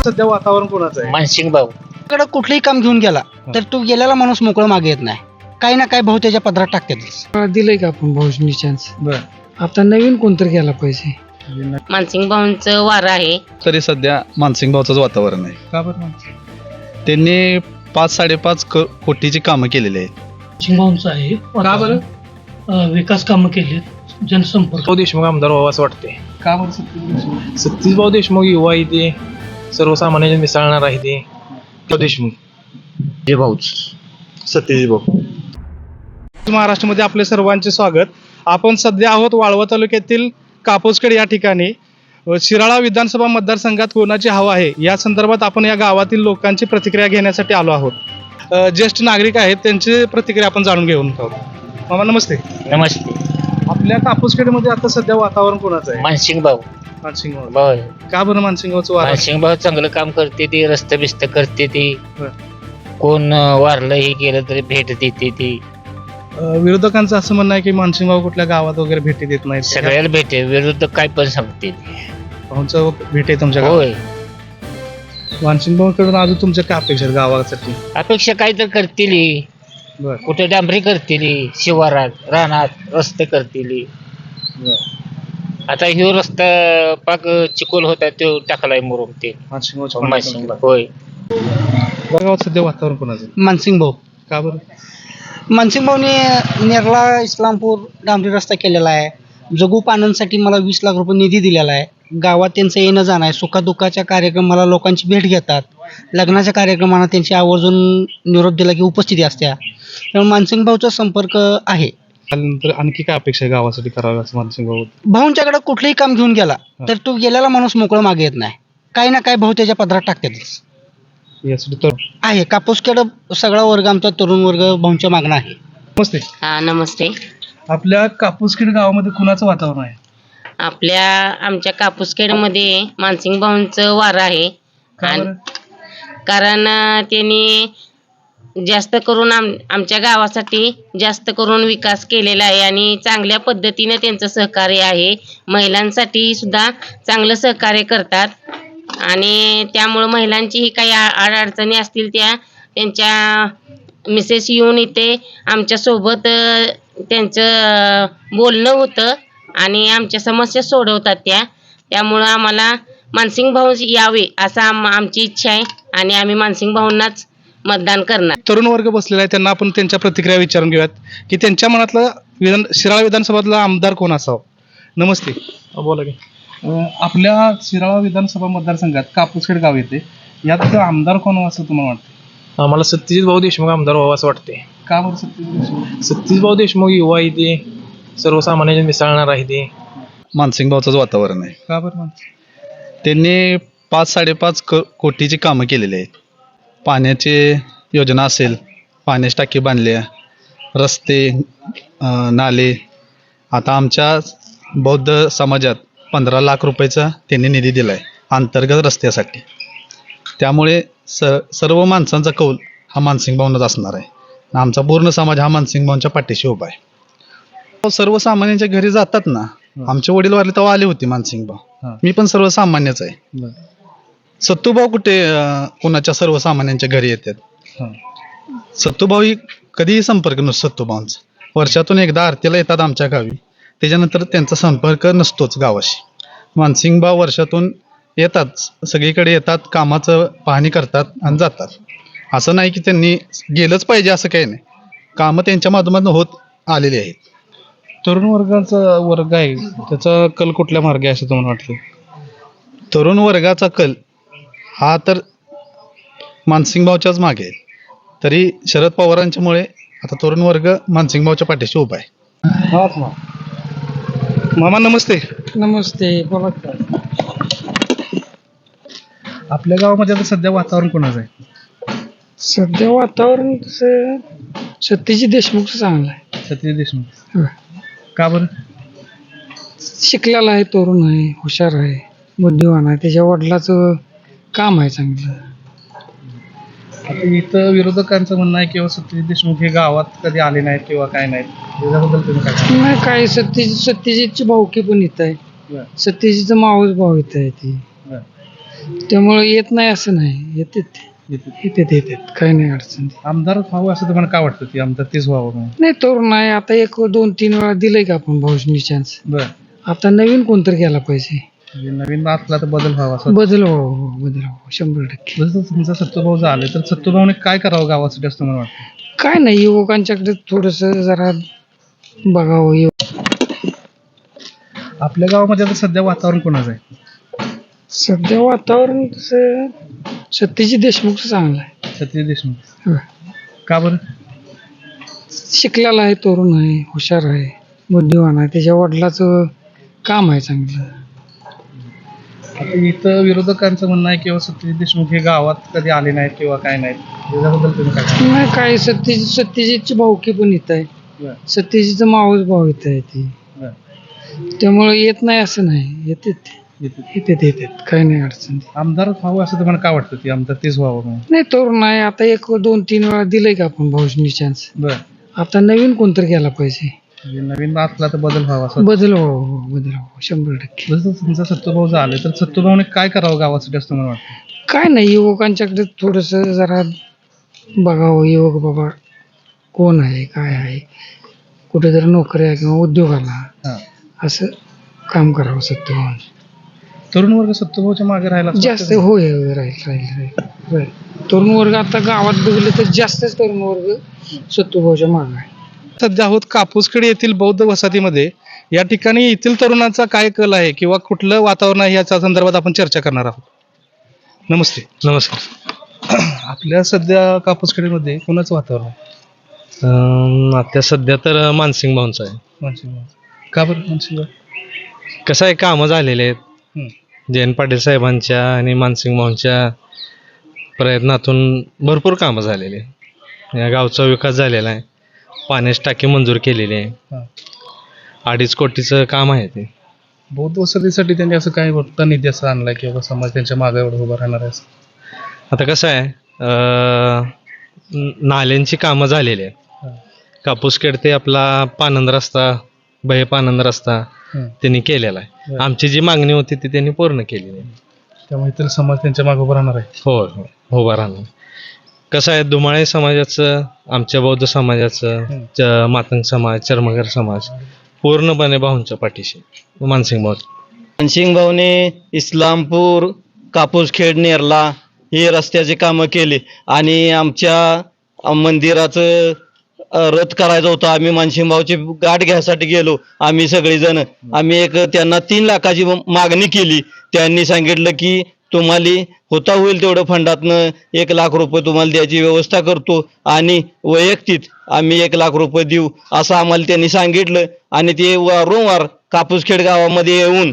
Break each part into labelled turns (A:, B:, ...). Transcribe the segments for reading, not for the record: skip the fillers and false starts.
A: सध्या वातावरण कोणाचं आहे?
B: मानसिंग भाऊ
C: कडे कुठलंही काम घेऊन गेला तर तो गेलेला माणूस मोकळं मागे येत नाही. काही ना काही भाऊ त्याच्या पदरात टाकतात.
D: दिलंय का आपण भाऊनी चान्स?
A: बर,
D: आता नवीन कोणतरी गेला पाहिजे.
E: मानसिंग भाऊंचं वार आहे.
F: तरी सध्या मानसिंग भाऊचंच वातावरण आहे.
A: का बरं?
F: त्यांनी 5-5.5 कोटीची कामं केलेली आहेत.
D: भाऊंचं आहे.
A: का बरं?
D: विकास कामं केलीत, जनसंपर्क.
G: देशमुख आमदार व्हावं असं वाटते.
A: का बरं सत्तेत?
G: सतीशभाऊ देशमुख युवा आहे ते, सर्वसामान्यांच्या मिसळणार आहे ते. देशमुख
B: जे भाऊच
F: सतीश भाऊ.
A: महाराष्ट्रामध्ये आपले सर्वांचे स्वागत. आपण सध्या आहोत वाळवा तालुक्यातील कापूसखेड या ठिकाणी. शिराळा विधानसभा मतदारसंघात कोणाची हवा आहे या संदर्भात आपण या गावातील लोकांची प्रतिक्रिया घेण्यासाठी आलो आहोत. ज्येष्ठ नागरिक आहेत, त्यांची प्रतिक्रिया आपण जाणून घेऊन आहोत. मामा नमस्ते.
B: नमस्ते.
A: आपल्या कापूसखेडमध्ये आता सध्या वातावरण कोणाचं आहे?
B: मानसिंग भाऊ
A: मानसिंग भाऊ.
B: भाऊ
A: का बरं मानसिंग भाऊचं वार?
B: मानसिंग भाऊ चांगलं काम करते ती, रस्ते बिस्त करते ती.
A: बर.
B: कोण वारलं हे केलं तरी भेट देते ती.
A: विरोधकांचं असं म्हणणं आहे की मानसिंग भाऊ कुठल्या गावात वगैरे भेटी देत नाहीत.
B: सगळ्याला भेटे, विरुद्ध काय पण सांगते ती.
A: भाऊंचं भेट आहे तुमच्या गावात?
B: होय.
A: मानसिंग भाऊकडून अजून तुमच्या काय अपेक्षा आहेत गावासाठी?
B: अपेक्षा काय तर करतील,
A: बर,
B: कुठे डांबरी करतील, शिवारात रानात रस्ते करतील. आता ह्यो रस्ता पाक चिकोल होता तो टाकलाय मुरुम ते.
A: मानसिंग
B: मानसिंग भाऊ होय.
A: गावात सध्या वातावरण कोणाचं?
C: मानसिंग भाऊ.
A: का बरं?
C: मानसिंग भाऊने नेरला इस्लामपूर डांबरी रस्ता केलेला आहे. जगू पानांसाठी मला 20 लाख रुपये निधी दिलेला आहे. गावात त्यांचं येणं जाणं आहे. सुखादुःखाच्या कार्यक्रमाला लोकांची भेट घेतात. लग्नाच्या कार्यक्रमांना त्यांची आवर्जून निरोप दिला की उपस्थिती असते. त्यामुळे मानसिंग भाऊचा संपर्क आहे.
A: त्यानंतर आणखी काय अपेक्षा आहे गावासाठी करावी असं मानसिंग भाऊ?
C: भाऊंच्याकडे कुठलंही काम घेऊन गेला तर तो गेलेला माणूस मोकळं मागे येत नाही. काही ना काही भाऊ त्याच्या पदरात टाकतातच.
A: यासाठी तर
C: आहे कापूसखेड सगळा वर्ग, आमचा तरुण वर्ग भाऊंच्या मागणं आहे.
A: नमस्ते.
E: हा नमस्ते.
A: आपल्या कापूसखेड गावामध्ये कुणाचं वातावरण आहे?
E: आमच्या कापूसखेडमध्ये मानसिंग भाऊंचं वार आहे.
A: का बरं?
E: कारण त्यांनी जास्त करून आमच्या गावासाठी जास्त करून विकास केलेला आहे आणि चांगल्या पद्धतीने त्यांचं सहकार्य आहे. महिलांसाठी सुद्धा चांगलं सहकार्य करतात आणि त्यामुळं महिलांचीही काही अडचणी असतील त्यांच्या मिसेस येऊन इथे आमच्यासोबत त्यांचं बोलणं होतं आणि आमच्या समस्या सोडवतात त्यामुळं आम्हाला मानसिंग भाऊ यावे असं आमची इच्छा आहे आणि आम्ही मानसिंग भाऊंनाच मतदान करणार.
A: तरुण वर्ग बसलेला आहे, त्यांना आपण त्यांच्या प्रतिक्रिया विचारून घेऊयात की त्यांच्या मनातलं शिराळा विधानसभातला आमदार कोण असावं. नमस्ते.
G: बोला की.
A: आपल्या शिराळा विधानसभा मतदारसंघात कापूसखेड गाव येते. यात आमदार कोण असं तुम्हाला वाटतं?
G: आम्हाला सतीशभाऊ देशमुख आमदार व्हावं असं वाटते.
A: का बरं सत्तेत?
G: सतीशभाऊ देशमुख युवा आहे ते, सर्वसामान्यांच्या मिसळणार आहे ते.
F: मानसिंग भाऊचंच वातावरण आहे.
A: का बरं?
F: त्यांनी 5-5.5 कोटीची कामं केलेली आहेत. पाण्याची योजना असेल, पाण्याची टाकी बांधल्या, रस्ते, नाले. आता आमच्या बौद्ध समाजात 15 लाख रुपयाचा त्यांनी निधी दिला आहे अंतर्गत रस्त्यासाठी. त्यामुळे सर्व माणसांचा कौल हा मानसिंग भाऊंनाच असणार आहे. आमचा पूर्ण समाज हा मानसिंग भाऊंच्या पाठीशी उभा आहे. सर्वसामान्यांच्या घरी जातात ना, आमचे वडील वारले तेव्हा आले होते मानसिंग भाऊ. मी पण सर्वसामान्यच आहे. सत्तूभाऊ कुठे कोणाच्या सर्वसामान्यांच्या घरी येतात? सत्तूभाऊ ही कधीही संपर्क नसतो सत्तूभाऊंचा. वर्षातून एकदा आरतीला येतात आमच्या गावी, त्याच्यानंतर त्यांचा संपर्क नसतोच गावाशी. मानसिंग भाऊ वर्षातून येतात, सगळीकडे येतात, कामाचं पाहणी करतात आणि जातात. असं नाही की त्यांनी गेलंच पाहिजे असं काही नाही. कामं त्यांच्या माध्यमातून होत आलेली आहेत.
A: तरुण वर्गाचा वर्ग आहे, त्याचा कल कुठल्या मार्गे आहे असं तुम्हाला वाटतं?
F: तरुण वर्गाचा कल हा तर मानसिंग भाऊच्याच मागे आहे. तरी शरद पवारांच्यामुळे आता तरुण वर्ग मानसिंग भाऊच्या पाठीशी उभा आहे.
A: मामा नमस्ते.
D: नमस्ते. बोला.
A: आपल्या गावामध्ये आता सध्या वातावरण कोणाचं आहे?
D: सध्या वातावरण तसं सतीश देशमुखचं चांगलं आहे.
A: सतीश देशमुख.
D: हं.
A: का बरं?
D: शिकलेला आहे, तरुण आहे, हुशार आहे, बुद्धिवान आहे. त्याच्या वडिलाचं काम आहे चांगलं.
A: आता इथं विरोधकांचं म्हणणं आहे किंवा सतीश देशमुख हे गावात कधी आले नाहीत किंवा काय नाहीत, त्याच्याबद्दल तुम्ही काय सांगाल?
D: नाही काय, सत्यजितची भाऊकी पण इथं आहे.
A: बरं,
D: सत्यजितचं मावस भाऊ इथं आहे ती.
A: बरं.
D: त्यामुळे येत नाही असं नाही, येतात काही नाही अडचण.
A: आमदार व्हावं असं तुम्हाला काय वाटतं की आमदार तेच व्हावं म्हणून?
D: नाही तरुण आहे आता, 1-2-3 वेळा दिलंय का आपण भाऊजनी चान्स.
A: बरं.
D: आता नवीन कोणतरी गेला पाहिजे,
A: म्हणजे नवीन असला तर बदल व्हावा असं
D: बदल व्हावा, बदल व्हावा 100%.
A: जसं तुमचा सत्तूभाऊ झाले तर सत्तूभाऊने काय करावं गावासाठी असं मला वाटतं?
D: काय नाही, युवकांच्याकडे थोडस जरा बघावं.
A: आपल्या गावामध्ये आता सध्या वातावरण कोणाचं आहे?
D: सध्या वातावरण तसं सत्यजित देशमुखचं चांगलं आहे.
A: सत्यजित देशमुख.
D: होय.
A: का बरं?
D: शिकलेला आहे, तरुण आहे, हुशार आहे, बुद्धिवान आहे, त्याच्या वडिलाचं काम आहे चांगलं.
A: आता इथं विरोधकांचं म्हणणं आहे किंवा सत्यजित देशमुख हे गावात कधी आले नाहीत किंवा काय नाहीत, त्याच्याबद्दल तुम्ही काय सांगाल?
D: नाही काय, सत्यजितची भाऊकी पण इथं आहे,
A: बरं.
D: सत्यजितचं मावस भाऊ इथं आहे ती,
A: बरं.
D: त्यामुळे येत नाही असं नाही, येतात काही नाही अडचण.
A: आमदार व्हावं असं तुम्हाला काय वाटतं की आमदार तेच व्हावं म्हणून?
D: नाही तरुण आहे आता, 1-2-3 वेळा दिलंय का आपण भाऊजनी चान्स.
A: बरं.
D: आता नवीन कोणतरी गेला पाहिजे,
A: म्हणजे नवीन असला तर बदल व्हावा असं
D: बदल व्हावा 100%.
A: जसं तुमचा सत्तूभाऊ झाले तर सत्तूभाऊने काय करावं गावासाठी असं मला वाटतं?
D: काय नाही, युवकांच्याकडे थोडस जरा बघावं, युवक बाबा कोण आहे, काय आहे, कुठेतरी नोकऱ्या किंवा उद्योगाला
A: हां.
D: असं काम करावं सत्य.
A: तरुण वर्ग सत्तूभाऊच्या मागे राहिला असं
D: जास्त
A: वाटतं?
D: होय होय, राहील. तरुण वर्ग आता गावात बघितलं तर जास्तच तरुण वर्ग सत्तूभाऊच्या मागे आहे.
A: सध्या आहोत कापूसखेड येथील बौद्ध वसाहतीमध्ये. या ठिकाणी येथील तरुणांचा काय कल आहे किंवा कुठलं वातावरण आहे याच्या संदर्भात आपण चर्चा करणार आहोत. नमस्ते.
G: नमस्कार.
A: आपल्या सध्या कापूसखेडीमध्ये कोणाचं वातावरण आहे?
G: आता सध्या तर मानसिंग भाऊंचं आहे.
A: मानसिंग. का बरं मानसिंग?
G: कसं आहे, कामं झालेले आहेत
A: हं.
G: जयंत पाटील साहेबांच्या आणि मानसिंग भाऊंच्या प्रयत्नातून भरपूर कामं झालेली आहे. या गावचा विकास झालेला आहे, पाण्याची टाकी मंजूर केलेली आहे,
A: हां.
G: 2.5 कोटीचं काम आहे ते.
A: बौद्ध वसाहतीसाठी त्यांनी असं काय मोठा निधी असं आणलाय किंवा समाज त्यांच्या मागे एवढं उभा राहणार आहे असं?
G: आता कसं आहे, नाल्यांची कामं झालेली आहेत.
A: हां.
G: कापूसखेड ते आपला पानंद रस्ता, पानंद रस्ता
A: हं.
G: त्यांनी केलेला आहे.
A: बरं.
G: आमची जी मागणी होती ती त्यांनी पूर्ण केलेली आहे.
A: त्यामुळे इतर समाज त्यांच्या मागे उभा राहणार आहे.
G: होय होय, उभा राहणार. कसं आहे, दुमाळे समाजाचं, आमच्या बौद्ध समाजाचं, मातंग समाज, चर्मगर समाज पूर्णपणे भाऊंच्या पाठीशी, मानसिंग भाऊ.
H: मानसिंग भाऊने इस्लामपूर, कापूसखेड, नेरला हे रस्त्याची कामं केली आणि आमच्या मंदिराचं रथ करायचं होतं. आम्ही मानसिंग भाऊची गाठ घ्यायसाठी गेलो, आम्ही सगळेजण. आम्ही त्यांना 3 लाखाची मागणी केली. त्यांनी सांगितलं की तुम्हाला होता होईल तेवढं फंडातनं 1 लाख रुपये तुम्हाला द्यायची व्यवस्था करतो आणि वैयक्तिक आम्ही 1 लाख रुपये देऊ असं आम्हाला त्यांनी सांगितलं. आणि ते वारंवार कापूसखेड गावामध्ये येऊन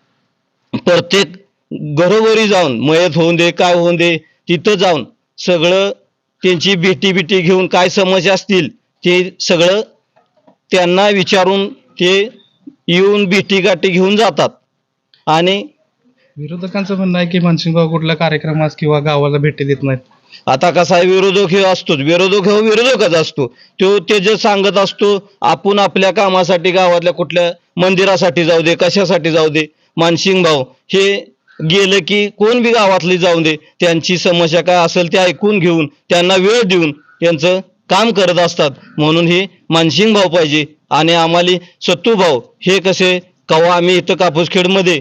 H: प्रत्येक घरोघरी जाऊन, मयत होऊन दे काय होऊन दे, तिथं जाऊन सगळं त्यांची भेटी घेऊन काय समस्या असतील ते सगळं त्यांना विचारून ते येऊन भेटी घेऊन जातात. आणि
A: विरोधकांचं म्हणणं आहे की मानसिंग भाऊ कुठल्या कार्यक्रमात किंवा गावाला भेटी देत नाहीत.
H: आता कसा आहे, विरोधक हे असतोच, विरोधकच असतो. ते जे सांगत असतो, आपण आपल्या कामासाठी गावातल्या कुठल्या मंदिरासाठी जाऊ दे, कशासाठी जाऊ दे, मानसिंग भाऊ हे गेलं की कोण बी गावातली जाऊ दे, त्यांची समस्या काय असेल ते ऐकून घेऊन त्यांना वेळ देऊन त्यांचं काम करत असतात. म्हणून हे मानसिंग भाऊ पाहिजे. आणि आम्हाला सत्तू भाऊ हे कसे, कवा आम्ही इथं कापूसखेडमध्ये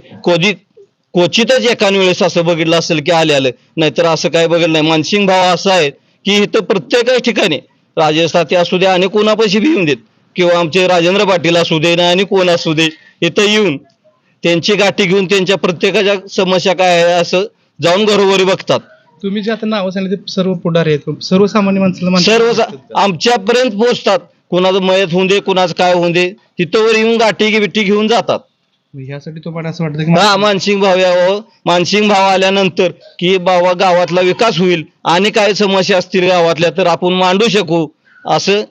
H: क्वचितच एकान वेळेस असं बघितलं असेल की आलं, नाहीतर असं काय बघितलं नाही. मानसिंग भाव असं आहे की इथं प्रत्येकच ठिकाणी राजस्थाती असू दे आणि कोणापाशी बी येऊन देत, किंवा आमचे राजेंद्र पाटील असू दे ना आणि कोण असू दे, इथं येऊन त्यांची गाठी घेऊन त्यांच्या प्रत्येकाच्या समस्या काय आहे असं जाऊन घरोघरी बघतात.
A: तुम्ही जे आता नावं सांगितले ते सर्व पुढारी आहेत, सर्वसामान्य माणसाला
H: सर्व आमच्यापर्यंत पोहोचतात. कुणाचं मयत होऊन दे, कुणाचं काय होऊन दे, तिथं येऊन गाठी बिठी घेऊन जातात.
A: ह्यासाठी तुम्हाला असं वाटतं की
H: हा, मानसिंग भाव यावं. मानसिंग भाव आल्यानंतर की बाबा गावातला विकास होईल आणि काय समस्या असतील गावातल्या तर आपण मांडू शकू असं.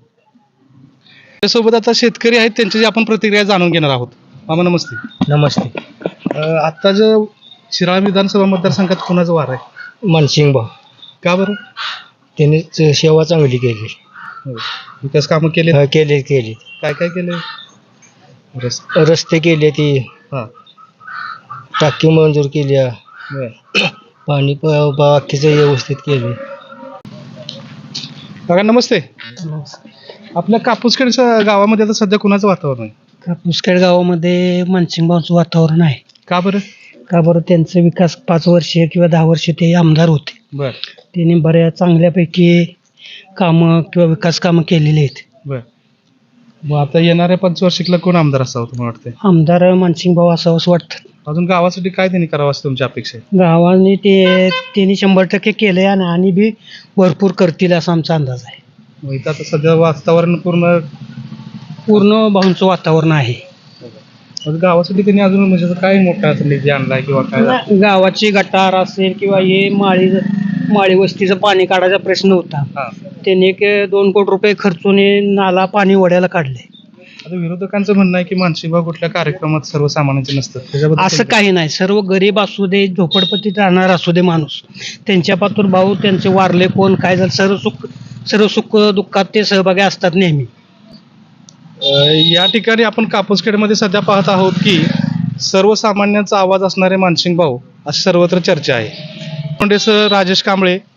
A: त्यासोबत आता शेतकरी आहेत, त्यांची आपण प्रतिक्रिया जाणून घेणार आहोत. मामा नमस्ते.
B: नमस्ते.
A: आता जो शिराळा विधानसभा मतदारसंघात कोणाचं वार आहे?
B: मानसिंग भाऊ,
A: का बरं?
B: त्यांनी सेवा चांगली केली,
A: विकास कामं केले?
B: केली
A: काय काय केले?
B: रस्ते केले, ती
A: हां.
B: टाकी मंजूर केली,
C: पाणी बाकीचं व्यवस्थित केले.
A: काका नमस्ते. आपल्या कापूसखेडच्या गावामध्ये आता सध्या कुणाचं वातावरण आहे?
C: कापूसखेड गावामध्ये मानसिंगभाऊंचं वातावरण आहे.
A: का बरं?
C: का बरं? त्यांचा विकास 5 वर्षे किंवा 10 वर्षे ते आमदार होते.
A: बर
C: त्यांनी बऱ्याच चांगल्यापैकी कामं किंवा विकास कामं केलेली आहेत.
A: बर मग आता येणाऱ्या 5 वर्षिकला कोण आमदार असावं तुम्हाला वाटतंय?
C: आमदार मानसिंगभाऊ असावं असं वाटतं.
A: अजून गावासाठी काय त्यांनी करावं असं तुमची अपेक्षा आहे?
C: गावाने त्यांनी 100% केलंय आणि बी भरपूर करतील असा आमचा अंदाज आहे.
A: मग इथं आता सध्या वातावरण
C: पूर्ण भाऊंचं वातावरण आहे.
A: मग गावासाठी त्यांनी अजून म्हणजे असं काय मोठा असं निधी आणलाय किंवा काय?
C: गावाची गटार असेल किंवा हे माळी वस्तीचं पाणी काढायचा प्रश्न होता.
A: हा.
C: त्यांनी 2 कोटी रुपये खर्चून हे नाला पाणी वड्याला काढले.
A: आता विरोधकांचं म्हणणं आहे की मानसिंगभाऊ कुठल्या कार्यक्रमात सर्वसामान्यांचे नसतात, त्याच्याबद्दल
C: असं काही नाही. सर्व गरीब असू दे, झोपडपट्टीत राहणार असू दे माणूस, त्यांच्या पातूर भाऊ त्यांचे वारले कोण काय झालं सर्व सुख दुःखात ते सहभागी असतात नेहमी.
A: या ठिकाणी आपण कापूसखेडमध्ये सध्या पाहत आहोत की सर्वसामान्यांचा आवाज असणारे मानसिंगभाऊ अशी सर्वत्र चर्चा आहे. कोंडेसह राजेश कांबळे,